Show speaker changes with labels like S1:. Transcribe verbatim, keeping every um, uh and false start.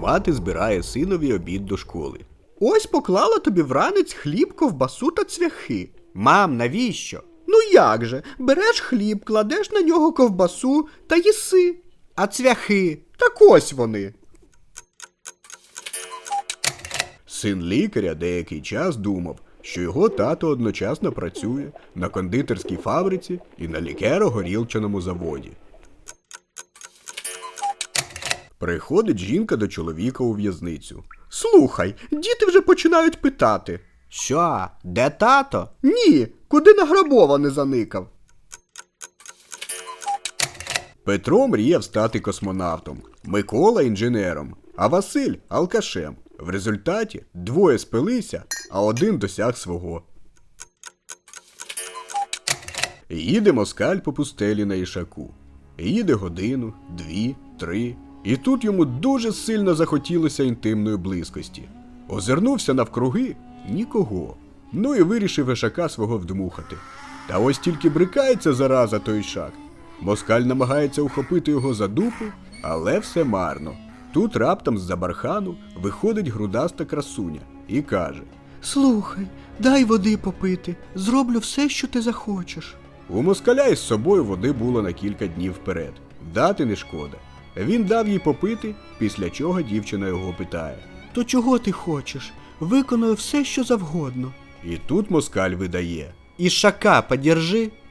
S1: мати збирає синові обід до школи.
S2: Ось поклала тобі вранець хліб, ковбасу та цвяхи.
S1: Мам, навіщо?
S2: Ну як же, береш хліб, кладеш на нього ковбасу та їси.
S1: А цвяхи?
S2: Так ось вони.
S1: Син лікаря деякий час думав, що його тато одночасно працює на кондитерській фабриці і на лікеро-горілчаному заводі. Приходить жінка до чоловіка у в'язницю.
S2: Слухай, діти вже починають питати.
S1: Що, де тато?
S2: Ні, куди награбований заникав?
S1: Петро мріяв стати космонавтом, Микола – інженером, а Василь – алкашем. В результаті двоє спилися, а один досяг свого. Їде москаль по пустелі на Ішаку. Їде годину, дві, три. І тут йому дуже сильно захотілося інтимної близькості. Озирнувся навкруги – нікого. Ну і вирішив Ішака свого вдмухати. Та ось тільки брикається зараза той Ішак. Москаль намагається ухопити його за дупу, але все марно. Тут раптом з-за бархану виходить грудаста красуня і каже:
S2: Слухай, дай води попити, зроблю все, що ти захочеш.
S1: У москаля із собою води було на кілька днів вперед. Дати не шкода. Він дав їй попити, після чого дівчина його питає:
S2: То чого ти хочеш? Виконую все, що завгодно.
S1: І тут москаль видає:
S2: Ішака подержи.